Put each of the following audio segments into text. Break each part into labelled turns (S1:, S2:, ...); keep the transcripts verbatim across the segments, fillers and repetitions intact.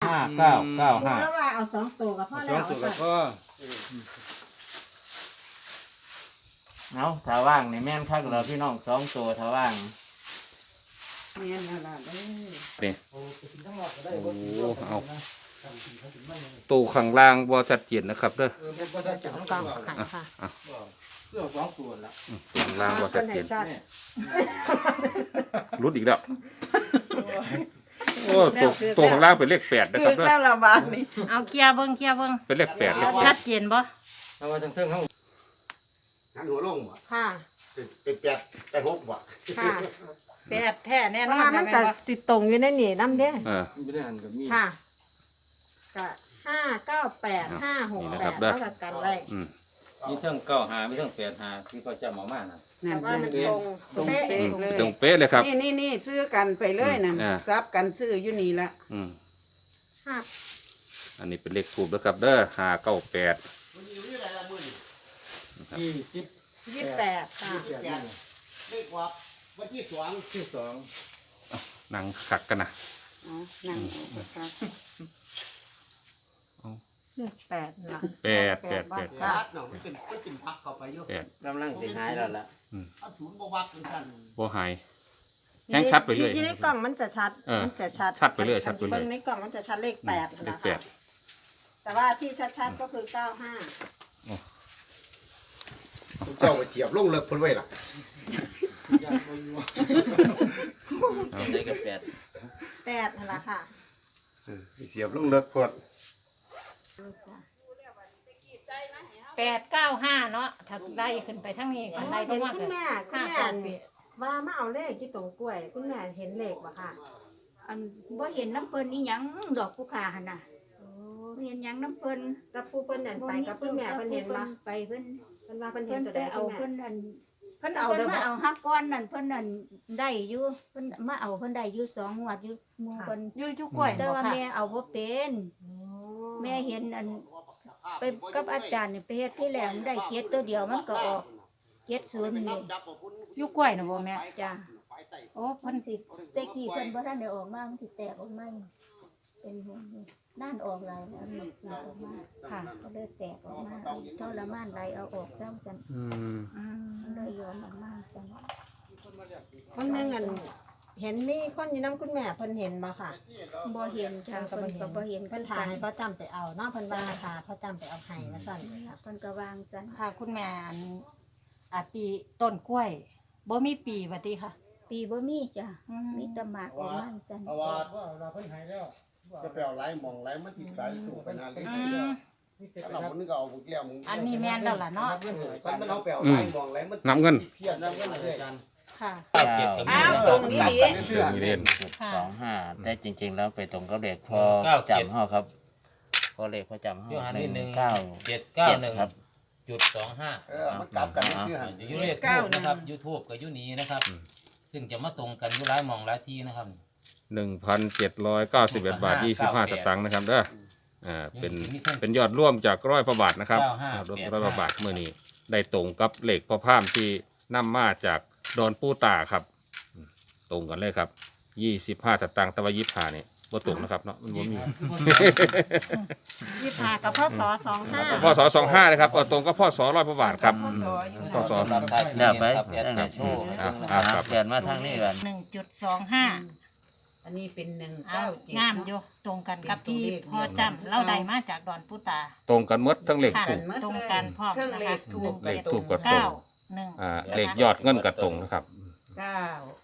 S1: ห้าเก้าเก้าห้า
S2: แล้วว่าเอาสองตัวกับพ่อ
S3: ส
S2: แล้
S3: อง
S2: ว
S3: สูตรกับพ่อ
S1: เอาถ้าว่างนี่แม่นคักเราพี่น้องสองตัวถ้าว่าง
S2: เนียนอะไรเด้อ
S1: นี่โอ้เอาตู้ข้างล่างบ่ชัดเจนนะครับเด้อ
S2: กองไข่ค่ะ
S3: เสื้อสองตัวละ
S1: ตู้ข้างล่างบ่ชัดเจน
S2: ชัด
S1: รุดอีกแล้วโอ้ตัวตัวข้างล่างเป็นเลขแปดนะครับเด้อ
S2: แล้วละบาทนี่
S4: เอาเคลียร์เบิ่งเคลียร์เบิ่ง
S1: เป็นเลขแปดเลขแป
S4: ชั
S1: ด
S4: ดเจนบ่
S3: เอาไว้ทั้งเทิงเขา
S5: หันหัวลงบ่
S2: ค่ะ
S5: เป็นแปดแปดหกบ่
S2: ค่ะ
S4: แปดแท้แน่
S2: เพ
S4: นอ
S2: ราะว่าน มันก็สิตรงอยู่ในนี่น้ำเด้
S1: เออ
S3: ไม่ได้หันกับมี
S2: ค่ะก็ห้าเก้าแปดห้าหก
S1: นี่นะ
S2: แป
S1: ครับ
S2: ด
S1: เด้อ
S2: เท่ากันไว้
S1: อืม
S3: มีเทิงเก้าหามีเทิงแปดหาที่เขาจะมาม่านะ
S2: แต่ว่ามันตรงตรงเป๊ะ
S1: ตรงเป๊ะเลยครับ
S6: นี่นี่นี่ซื้อกันไปเลยนั่น
S1: อ่า
S6: ซับกันซื้ออยู่นี่ละ
S1: อืม
S2: ค่ะ
S1: อันนี้เป็นเลขถูกนะครับเด้อห้าเก้าแปด
S3: ยี่สิบ
S2: ยี่สิบแปดค่ะ
S5: เลขว่าวันที่สอง
S3: ที่สอง
S1: นั่งขักกันนะ
S6: อ๋อนั่งเอาครับ
S2: แปดหลัง
S1: แปดแปดแปด
S5: แปดเนาะมันเป็นมันเป็นพักเข้าไปอยู่
S1: แปด
S3: กำลังสิหายแล้วล่ะ
S5: อันศูนย์บ่วักเป็นสั่น
S1: โบหายแห้งชัดไปเรื่อย
S2: อยู่ในกล่องมันจะชัด
S1: เออ
S2: มันจะชัด
S1: ชัดไปเรื่อยชัดไปเรื่อย
S2: เบิ่งในกล่องมันจะชัดเลขแปด
S1: เล
S2: นะ
S1: ขแป
S2: คะ
S1: ด
S2: แต่ว่าที่ชัดๆก็คือเก้าห้า
S5: เจ้าไปเสียบลงเลิกเพิ่นไว้ล่ะ
S1: เอา
S3: ได้กับแปด
S2: แปดนั่นแหละค่ะ
S5: ไปเสียบลงเลิกเพิ่น
S4: แปดเก้าห้าเนาะถ้าได้ขึ้นไปทั้งนี้กันได้
S2: เห็น
S4: มาก
S2: คุณแม่คุณ
S4: ห้า
S2: แม่
S4: เก้าแปด
S2: ว่ามาเอาเลขที่ตรงกล้วย คุณแม่เห็นเลขบ่ค่ะ
S7: อันบ่เห็นน้ำเพิ่นนี่หยังดอกกุขาหั่นน่ะ
S2: โอ้
S7: บ่เห็นหยังน้ำเพิ่น
S2: กับผู้เพิ่นนั่นไปกับคุณแม่เพิ่นเห็นบ่
S7: ไปเพิ่น
S2: เพิ่นว่าเพิ่นเห็
S7: เพิ่
S2: น
S7: น
S2: ตัว
S7: ไป
S2: ใด
S7: เอา
S2: คุณแม่
S7: เพิ่นอัน
S2: เพิ่น
S7: เอา
S2: เอา
S7: เพิ่
S2: เด้
S7: น
S2: อ
S7: มา
S2: บ่
S7: เอาฮักก้อนนั่นเพิ่นนั่นได้อยู่เพิ่นมาเอาเพิ่นได้อยู่สองงวดอยู่หมู่เพิ่น
S4: อยู่อยู่กล้วย
S7: แต่
S4: บ่
S7: ว่า
S4: ค่ะ
S7: แม่เอาบ่เป็น แม่เห็นอันไปกับอาจารย์นี่ไปเฮ็ดที่แรกมันได้เจ็ดตัวเดียวมันก็ออกเจ็ดศูนย์นี่
S4: อยู่กล้วยน่ะบ่แม่
S7: จ้ะ
S4: โอ้เพิ่นสิ
S7: แต่กี้เพิ่นบ่ทันได้ออกมามันสิแตกออกมาเป็นห่วงอยู่ด้านออกหลายแล้วมันสิออกมา
S4: ค่ะ
S7: ก็เลยแตกออกมาทรมานไหลเอาออกซ้ำจัน
S1: อืม
S4: อืม
S7: มันเลยยอมออกมาซ้
S2: คนหนึงอันเห็นมีคนอยู่นํคุณแม่เพิ่นเห็นบ่ค่ะ
S7: ำบ่เห็นจ้ะ
S2: เพิ่
S7: เพิ่
S2: น
S7: น
S2: ก็
S7: ก็
S2: บ่
S7: บ่
S2: เห็
S7: เห็
S2: น
S7: น
S2: เพิ่นถ่ายให้เขาจำไปเอาเนาะเพิ่นว่าถ่าเขาจำไปเอาให้ว่าซั่น
S7: เพิ่นก็วางซัน
S4: ค่ะคุณแม่อันอาปีต้นกล้วยบ่มีปีบัดนี้ค่ะ
S7: ปีบ่มีจ้ะ
S4: อืม
S7: มีแตะหมากออกมาจัน
S5: เพราะว่าจะไปเอาไหลมองไหลมันสิไหลถูกไปนานเลย
S4: อืม
S5: ถ้าเราคนนึงก็เอาบุกเลี้ยงมึง
S4: อันนี้แม่นแล้วล่ะเนาะ
S5: คันมันเอาไปเอาไหลมองไหลมัน
S1: นับเงิน
S5: เพี้ยนน้ำเงินเลย
S4: ค่ะ
S6: อ้าวตรงนี้ดิ
S5: เสื้อ
S1: มีเล่น
S4: ค่ะ
S8: สองห้าแต่จริง ๆ แล้วไปตรงกับเลขพอ
S3: เก้าเจ็ด
S8: จำห้อครับพอเลขพอจำห้อ
S3: ยูหันนี่หนึ่ง
S8: เก้า
S3: เจ็ดเก้าหนึ่ง
S8: ครับ
S3: จุดสองห้า
S5: เออมันกลับกันเสื้อ
S3: ยูเลขทูบนะครับยูทูบกับยูนี้นะครับ ซึ่งจะมาตรงกันยูร้ายมองร้ายที่นะครับ
S1: หนึ่งพันเจ็ดร้อยเก้าสิบเอ็ดบาทยี่สิบห้าสตางค์นะครับเด้ออ่าเป็นเป็นยอดร่วมจากร้อยพระบาทนะครับรวมร้อยพระบาทเมื่อนี้ได้ตรงกับเลขพ่อพามที่นำมาจากดอนปูตาครับอืมตรงกันเลยครับยี่สิบห้าสตางค์ตะวันยี่สิบห้านี่บ่ตรงนะครับเนาะมันบ่มี
S4: ยี่สิบห้ากับพ่อสอสองห้า
S1: พ่อสอสองห้านะครับเอาตรงกับพ่อสอร้อยพระบาทครับพ่อสอ
S3: รับได้
S8: เดี๋ยวไป
S3: ครับ
S8: ตั้งแต่โชว์
S1: อ่ะอ่ะครับ
S8: เปลี่ยนมาทางนี้กัน
S4: หนึ่งจุดสองห้า
S6: อันนี้เป็นหนึ่ง
S4: เอา
S6: เก้าเจ็ด
S4: งามอยู่ตรงกันกับที่พ่อจำเราได้มาจากดอนปูตา
S1: ตรงกันหมดทั้งเลข
S4: ค่ะ
S1: ถูก
S4: ตรงกันพร้อม
S6: เครื่อง
S4: นะ
S6: เล
S4: คะ
S6: ขถูก
S1: เลขถูกกับตร
S4: เก้าง หนึ่ง
S1: อ่าเลขยอดเงินกับตรงนะครับ
S6: เก้าย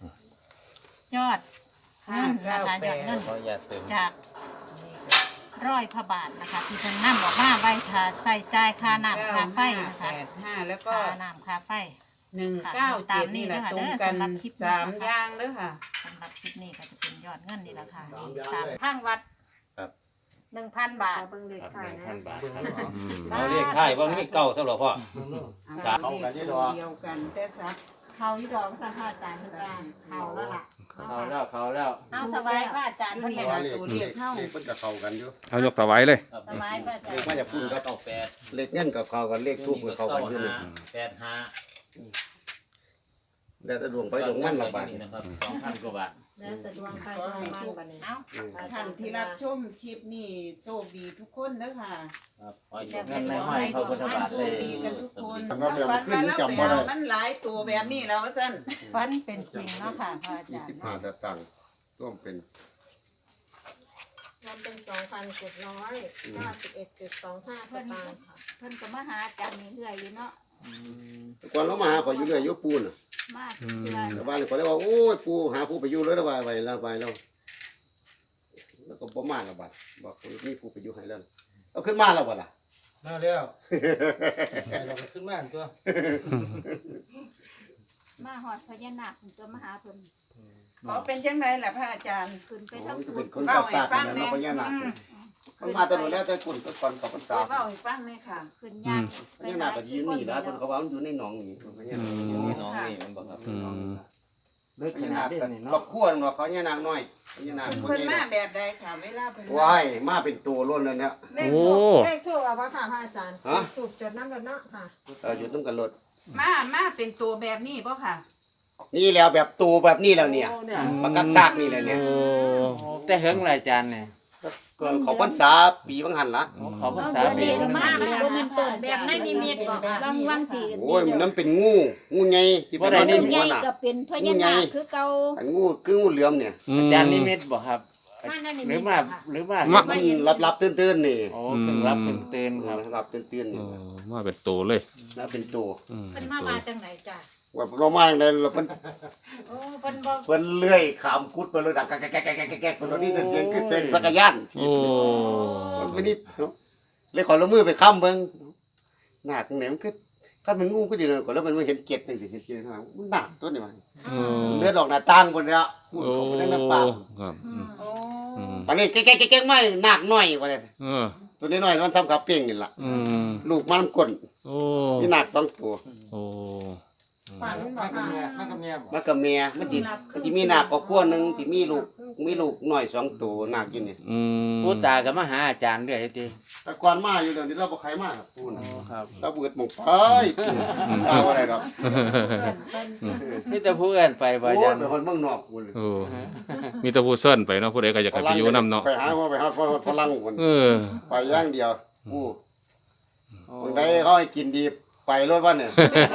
S4: อดเงินนะคะยอดเงิน
S3: ขออย่าเติม
S4: จากร้อยพระบาทนะคะ ที่เพิ่นนำออกมาไว้ถ้าใส่จ่ายค่าน้ำค่าไฟ
S6: ห้า
S4: นะ
S6: แป
S4: คะ
S6: ดห้าแล้วก็
S4: ค่าน้ำค่าไฟ
S6: หนึ่งเก้าเจ็ดนี่แหละตรงกันสามอย่างเด้อค่ะ
S4: สำหรับคลิปนี้ก็จะเป็นยอดเงินนี่แหละค่ะตามทางวัดหนึ่งพันบาท
S2: เบิ่งเลข
S8: ครับ
S2: ถ่า
S8: ห
S2: ย
S8: นึ่ง
S2: นะ
S8: พันบาทครับ
S1: อืม
S3: เอาเลขท้ายว่ามีเก้าสำหรับพ่อ
S6: เอาเลขเดียวกันแต่ซับ
S2: เขาอยู่ดอกสัมภาษณ์อาจารย์เพิ่นว่าเขาแล้วล่ะ
S8: เขาแล้วเขาแล้ว
S4: เอาถวายพระอาจารย์
S6: อยู่
S4: เพิ่น
S6: นี่
S4: ได้
S6: ละตัวเลขเท่า
S5: เลขมันจะเข้ากันอยู่
S1: เอายกถวายเลย
S4: ถวายพระอาจาร
S5: เลข
S4: ย์
S5: มาจากพุ่นก็
S3: เก้าแปด
S5: เลขเงินกับเข้ากันเลขทูบกับเข้ากันอยู่นี่
S3: แปดห้า
S5: แต่แต่ดวงไปดวงมันละบาด
S3: นี่นะครับสองพันกว่าบาท
S2: แล้วแต่ดวงใครดวงมันบัดนี้
S6: เอ้าท่านที่รับชมคลิปนี้โชคดีทุกคนเด้อค่ะ
S3: ครับขอให้เงินในห้อยพระพุทธบาท
S6: โช
S3: ได้
S6: คดีกันทุกคน
S5: มันก็เดี๋ยว
S6: ฝั
S5: มัน
S6: น
S5: ขึ้น
S6: ว่าเรา
S5: จำ
S6: ไป
S5: บ่ได้
S6: เอามันหลายตัวแบบนี้แล้วว่าซั่น
S4: ฟันเป็นจริงเนาะค่ะพระอาจารย์
S5: ยี่สิบห้าสตางค์ร่วมเป็น
S2: รวมเป็นสองพันเจ็ดร้อยเก้าสิบเอ็ดจุดสองห้าส
S7: เพิ่น
S2: ตางค์ค่ะ
S7: เพิ่นก็มาหาอาจารย์เรื่อยๆอยู่เนาะ
S5: แต่ก่อนเรามาหาข่อยอยู่เรื่อยอยู่ปูนน่ะ
S7: มาเทื่อ
S5: แต่บ้านข่อยเลยว่าโอ้ยปูหาปูไปอยู่เลยแล้วว่าไปแล้วไปแล้วแล้วก็บ่มาแล้วบัดบอกมีปูไปอยู่ให้แล้วเอาขึ้นมาแล้วบ่ล่ะ
S9: มาแล้วเราก็ขึ้นมาตัว
S7: มาฮอดพญานาคเพิ่นก็มาหาเพิ่น
S6: เขาเป็นจังไดล่ะพระอาจารย์
S7: ขึ้นไป
S5: โอ้
S7: ทาง
S5: ยก็
S7: พุ่
S5: เป็น นคนกับศาสตร์นั่นเนาะพญานาคมันมาแต่โดนแล้วแต่คนก็ก่อนเขาพรรษา
S6: เล่าให้ฟังหน่อยค่ะ
S7: ขึ้นยาก
S5: พญานาคก็ยืนนี่นะเพิ่นเขาว่ามันอยู่ในหนองนี่พญานาคอยู่ในหนอง
S3: น้องนี่มันบอกครับ
S1: อืม
S8: ลึก
S5: พ
S8: ข
S5: ญา
S8: นา
S5: นา
S8: ด
S5: ค
S8: นี้
S5: ก็
S8: นี่
S5: ครอ
S8: เนาะ
S5: บครัวเนาะเขาพญานาคน้อยพญานาค
S6: เพิ่นมาแบบใดค่ะเวลาเพิ่นมา
S5: ว้ายมาเป็นตัวล้นเลยเนี่ย
S2: เลข
S1: โอ้
S2: ถูกเลขถูกอ่ะพ่อค่ะพระอาจารย์
S5: ฮะ
S2: ถูกจดน้ำรถเนาะค่ะ
S5: เอออยู่ต้องกันรถ
S6: มามาเป็นตัวแบบนี้บ่ค่ะ
S5: นี่แล้วแบบตัวแบบนี้แล้วเนี่ย
S8: โอ้เนี่ย
S5: มากักซากนี่แหละเนี่ย
S1: โอ้
S8: โอ้แต่เฮิงหลายจานเนี่ย
S5: ก่อนเขาพรรษาปีบางหันละ
S8: โอ้เขาภาษา
S7: เอา
S8: เบ
S7: เดี๋ยว
S8: ง
S7: มาแล้วบ่แม่นต้นแบบในนิมิตบ่ค่ะบางวันสิ
S5: โอ้ยมันนั้นเป็นงูงูใหญ่ที่เป็น
S7: บ่
S5: มัน
S7: ได้
S5: เป็น
S7: ให
S5: หั
S7: ญ่
S5: วน่ะ
S7: ก็เป็นพญานาคคือเก่า
S5: อันงูคืองูเหลือมเนี่ย
S1: อืม
S8: อาจารย์นิมิตบ่ครับ
S7: มาในนิ
S8: ห
S7: มิ
S8: รือ
S7: ต
S8: มา
S7: ค่ะ
S8: หรือมา
S1: มา
S5: มันรับรับๆตื่นๆนี่
S8: โอ้เพิ่งรับเพิ่งตื่นครับ
S5: รับตื่นๆ
S1: โอ้
S5: นี่
S1: มาเป็นตัวเลย
S5: แล้วเป็นตัว
S1: อืม
S4: เพิ่นมามาจังไหนจ้ะ
S5: ว่าเรามาอย่างไรเราเพิ่น
S4: โอ้เพิ่นบ่
S5: เพิ่นเลื่อยขามกุดไปเลยดังแก๊กแก๊กแก๊กแก๊กแก๊กเพิ่นเอานี่เสียงคือเสียงสักยาน
S1: โอ้
S5: มันไม่นิดเนาะเลยขอละมือไปค้ำเบิ่งหนักไหนมันคือคันมันงูก็ดีเลยก่อนแล้วมันมาเห็นเกล็ดจังซี่เห็นเกล็ดข้างหลังมันหนักตัวนี้มัน
S1: โอ้
S5: เลือดออกหน้าต่างบนแล้วพูด
S1: โอ้
S5: เขาไปได้น้ำปลา
S1: ครับอืม
S6: โอ้
S1: อืม
S5: ตอนนี้แก๊กแก๊กแก๊กไม่หนักหน่อยกว่านี้
S1: เออ
S5: ตัวนี้น้อยมันซ้ำกับเป้งนี่ล่ะ
S1: อืม
S5: ลูกมันน้ำก้น
S1: โอ้
S5: มีหนักสองตัว
S1: โอ้
S2: ฝันบ
S9: มา
S2: อก
S9: กับ
S2: ค่ะ
S9: เมียมากับเมียบ่
S5: มันกับเมียมันติมันจะมีหนักกว่าพวกนึงที่มีลูกมีลูกหน่อยสองตัวหนักอยู่นี่
S1: อืม
S8: ผู้ตาก็มาหาอาจารย์เรื่อยติ
S5: แต่ก่อนมาอยู่เดี๋ยวนี้เราบ่ใครมาครับปูน
S8: โอ้ครับ
S5: เราเบิดหมองไปปูนเอาอะไรดอก
S8: นี่แต่ผู้อื่นไปบ่
S5: โอ้
S8: อาจาย รย์
S5: เป็นคนเมืองนอกปูน
S1: โอ้มีแต่ผู้เซิ้นไปเนาะผู้ใดก็อยากให้ไปอยู่นํเนาะ
S5: ไปหาว่าไปหาฝรั่งคน
S1: เออ
S5: ไปอย่างเดียวปู
S8: โอ้
S5: คนใดเขาให้กินดีไปรถว่าเนี่ย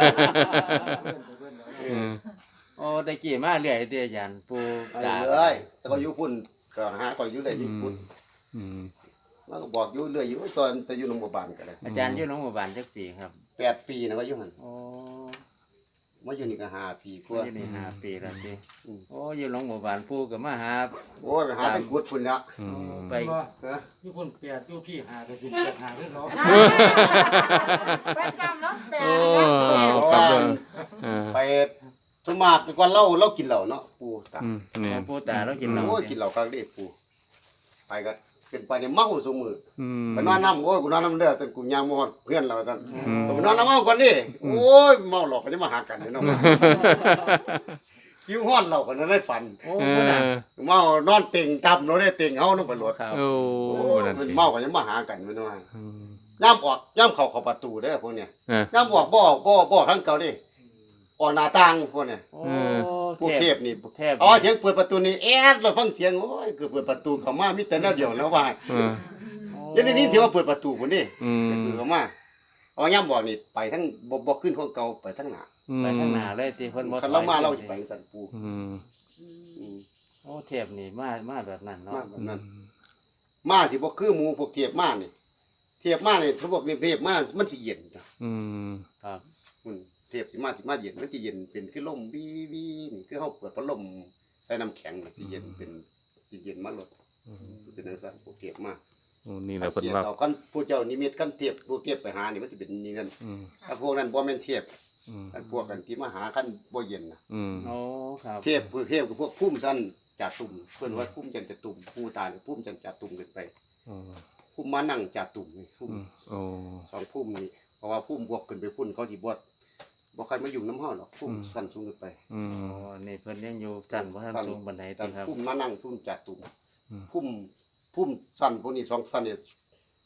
S1: อืม
S8: โอ้ตะกี้มาเรื่อยติอาจารย์ผู้
S5: ไป
S8: ตา
S5: เลยแต่ก็อยู่พุ่นก็หาก็อยู่ได้อยู่พุ่น
S1: อืม
S5: แล้วก็บอกอยู่เรื่อยอยู่ตอนจะอยู่โรงพยาบาลก็ได้
S8: อาจารย์อยู่โรงพยาบาลจักปีครับ
S5: แปดปีนะว่าอยู่หัน
S8: โอ้
S5: มาอยู่นี่ก็ห้าปีก
S8: ก็
S5: ว่า
S8: อยู่นี่ห้าปีแล้วติ
S5: อืม
S8: โอ้อยู่โรงพยาบาลผู้ก็มาหา
S5: โอ้ยไปหาแต่กุดพุ่นละ
S1: อืม
S8: ไป
S9: บ่
S5: ฮะ
S9: อยู่คนเปียกอยู่พี่หาก็สิเปียกหาคือเนาะ
S2: ประจำเนาะแต่
S1: โอ้ครับเด้อเออ
S5: ไปทุมากแต่ก่อนเราเรากินเหล้าเนาะปูตา
S1: อืมนี่
S8: ผู้ตาเรากินเหล้า
S5: โอ้ย
S8: ติ
S5: กินเหล้าครั้งเดียวปูไปก็ขึ้นไปเนี่ยเมาซุมือ
S1: อืม
S5: ไปนอนน้ำโอ้ยกูนอนน้ำเด้อจนกูยางมอดเพื่อนเราจัน
S1: อืม
S5: ไปนอนน้ำเมาก่อนดิโอ้ยเมาหลอกก็จะมาหากันเนาะคิ้วห้อนเราก็นั่นได้ฝัน
S8: โอ้
S1: เอ
S8: ผู้น่ะ
S1: อ
S5: เมานอนเต็งจำเราได้เต็งเฮาน้องไปรถ
S8: ครับ
S1: โอ้
S5: โอ้
S1: นั่น
S5: มัน
S1: สิ
S5: เมาก็จะมาหากันไม่น้อย
S1: อืม
S5: ย่ำออกย่ำเข้าเข้าประตูเด้อพวกเนี้ย
S1: เออ
S5: ย่ำออกบ่อบ่อบ่อข้างเก่าดิออกหน้าต่างพวกเนี้ย
S8: โอ้
S5: พวก
S8: เท
S5: เท
S8: พ
S5: พนี่
S8: เทพ
S5: อ๋อเสียงเปิดประตูนี่แอดเราฟังเสียงโอ้ยคือเปิดประตูเข้ามามีแต่แนวเดียวแล้วว่า
S1: เออ
S5: ยันนี้ถือว่าเปิดประตูพุ่นนี่
S1: อืม
S5: คือเข้ามาเอาย่ำบอกนี่ไปทั้งบ่บ่ขึ้นของเก่าไปทั้งหน้า
S8: ไปข้างหน้าเลยติเพิ่นบ่
S5: คันเรามาเราสิไปสั่นปู
S1: อืม
S5: อืม
S8: โอ้เทพนี่มามาแบบนั้น
S5: มา
S8: เนาะ
S5: แบบนั้นมาสิบ่คือหมู่พวกเทียบมานี่เทียบมานี่เขาบอกนี่เทียบมามันสิเย็นจ้ะ
S1: อืม
S8: ครับ
S5: อืมเทียบสิมาสิมาเย็นมันสิเย็นเป็นคือลมวีวีนี่คือเฮาเปิดพัดลมใส่น้ำแข็งน่ะสิเย็นเป็นสิเย็นมาลดเป็นจังซั่นพวกเทียบมา
S1: โอ้นี่แหละเพิ่น
S5: เทียบ
S1: ว่า
S5: เอากันผู้เจ้านิมิตกันเทียบพวกเทียบไปหานี่มันสิเป็นอย่างนั้น
S1: อืม
S5: ถ้าพวกนั้นบ่แม่นเทียบ
S1: อืม
S5: อันพวกกันที่มาหากันบ่เย็นน่ะ
S1: อืม
S8: โอ้ครับ
S5: เทียบคือเทียบกับพวกพุ่มสั้นจ่าตุ่มเพิ่นว่าพุ่มจันจะตุ่มผู้ตายพุ่มจันจ่าตุ่มขึ้นไป
S1: โอ้
S5: พุ่มมานั่งจ่าตุ่มนี่พุ่ม
S1: อืมโอ้
S5: สองพุ่มนี่เพราะว่าพุ่มบวกขึ้นไปพุ่นเขาสิบวชบ่ใครมาอยู่น้ำเฮาหรอกพุ่มสั้นสูงขึ้นไป
S1: อืม
S8: โอ้นี่เพิ่นยังอยู่จันบ่ทันสูงปานใด
S5: แต่
S8: ติครับ
S5: พุ่มมานั่งพุ่มจ่าตุ่ม
S1: อืม
S5: พุ่มพุ่มสั้นพวกนี้สองสั้นเนี่ย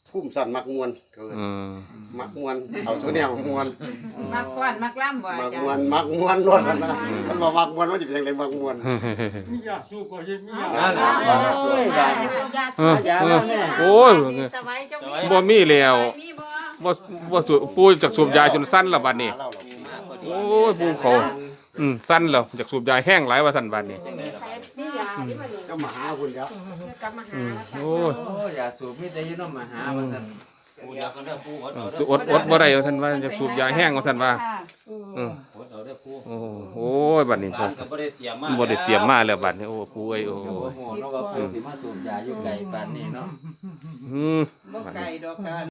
S5: พุ่มสั่นมักมวนเขาเอิ้น
S1: อืม
S5: มักมวนเอาตัวแนวมวน
S6: มักฟ้อนมักล่ำบ่
S5: มั
S6: อาก จาร
S5: มวน
S6: ย์
S5: มักมวนรถมันนะมันบ่มักมวนมันสิเป็นจังไดมักมวน
S9: มียาสูบบ่เฮ็ดมียา
S8: นั่นล่ะโอ้ยบาด
S1: เออ
S8: อย่าแล้วแน่
S1: โอ้ย
S2: สบายเจ้า
S3: สบาย
S1: บ่มีแล้ว
S6: มีบ่
S1: บ่บ่สูบปูจากสูบยาจนสั้นแล้วบัดนี้
S5: หาเราหรอก
S3: มาพอดี
S1: โอ้ยปูเขาอืมสั้นแล้วจากสูบยาแห้งหลายว่าสั้นบัดนี้
S2: ใครนี่ยาที่มาเนี่ย
S5: ก็มาหาคุณแล้ว
S2: กลับมาหาแล้วค่ะ
S1: โอ้ย
S8: โอ้ยอย่าสูบมีแต่อยู่นำมาหาว่าซั่น
S3: ปูเดียวกันเด้อปูอดเอา
S1: สิ
S3: เด้อ
S1: อดอดบ่ได้ว่าท่านว่าจะสูบยาแห้งว่าท่านว่า
S6: ค่ะ
S1: อืม
S3: อดเอาเด้อปู
S1: โอ้โอ้ยบัดนี้
S3: ร้านก็บ่ได้เตรียมมา
S1: บ่ได้เตรียมมาแล้วบัดนี้โอ้ปูเอ้ยโอ้
S8: โอ้โหเนาะว่าผู้สิมาสูบยาอยู่ไกลปานนี้เนาะ
S1: อืม
S6: บ่ไก่ดอกค่ะ